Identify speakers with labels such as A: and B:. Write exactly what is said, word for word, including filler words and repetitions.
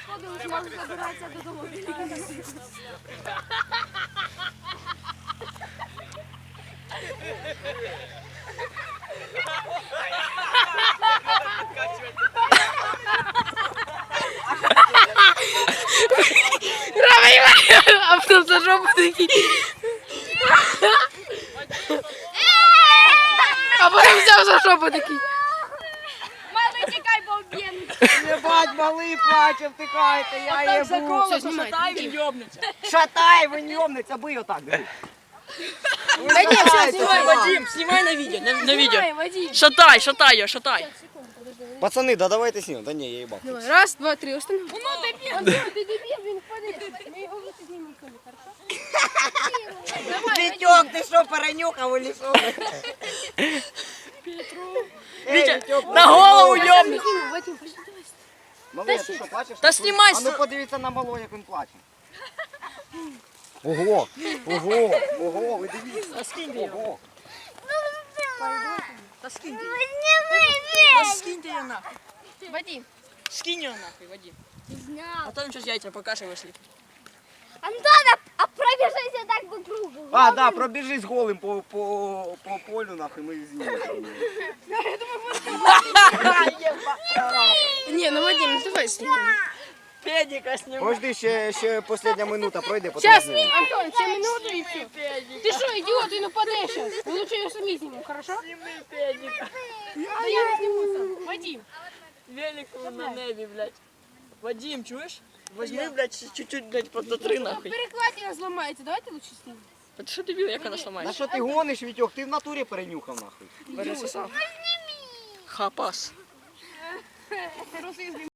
A: розходились, можна забиратися додому.
B: А потом за жопу такие. А потом взял за жопу такие.
A: Малий, тікай, бо вб'єм.
C: Єбать, малий плаче, втикайте, я єбу.
B: Все, снимай.
C: Шатай, ви ньомниця, бий отак.
B: Да нет, все, снимай, Вадим, снимай на видео, на, на видео. Шатай, шатай ее, шатай.
C: Пацани, да давайте снімемо. Да ні, я їбав.
B: Давай, раз, два, три, установи.
A: Ну, дебіл, Андрій, ти дебіл, він впаде. Ми його лучше знімемо, хорошо?
C: Вітьок, ти що, перенюхав или що?
B: Витя, на голову ёбнуть.
A: Вадим, пошли, давай.
C: Малий, а ти що, плачеш?
B: Та знімай.
C: А ну подивіться на малого, як він плаче. Ого, ого, ого, ви дивіться.
B: Да скинь ты ее.
C: Ого.
B: Да скинь ты ее. Да скинь ты ее нахуй.
A: Вадим.
B: Скинь ее нахуй, Вадим. А
A: Зняв.
B: то сейчас яйца покажи вышли.
A: Антона, а пробіжися так по кругу.
C: А, да, пробіжись голим по, по, по полю, нахуй, ми знімемо.
B: Не, ну Вадим, ну давай снимем. Педика снимай.
C: Подожди, ще, ще остання минута пройде, потім
B: Сейчас,
C: знімемо.
A: Антон, ще минуту і все. Ти що, ідіот, він упаде зараз. Ми лучше його самі знімемо, хорошо?
B: Сними педика.
A: Да я не зніму сам. Вадим.
B: Велик на небе, блядь. Вадим, чуешь? Возьми, блядь, чуть-чуть, блядь, подотри нахуй.
A: Перекладина зламається, давайте лучше знімемо.
B: Ты что дебил, як вона
C: На
B: сломається?
C: що ти гониш, Вітьок? Ти в натурі перенюхав, нахуй.
B: Пересосав. Хапас.
A: Просто я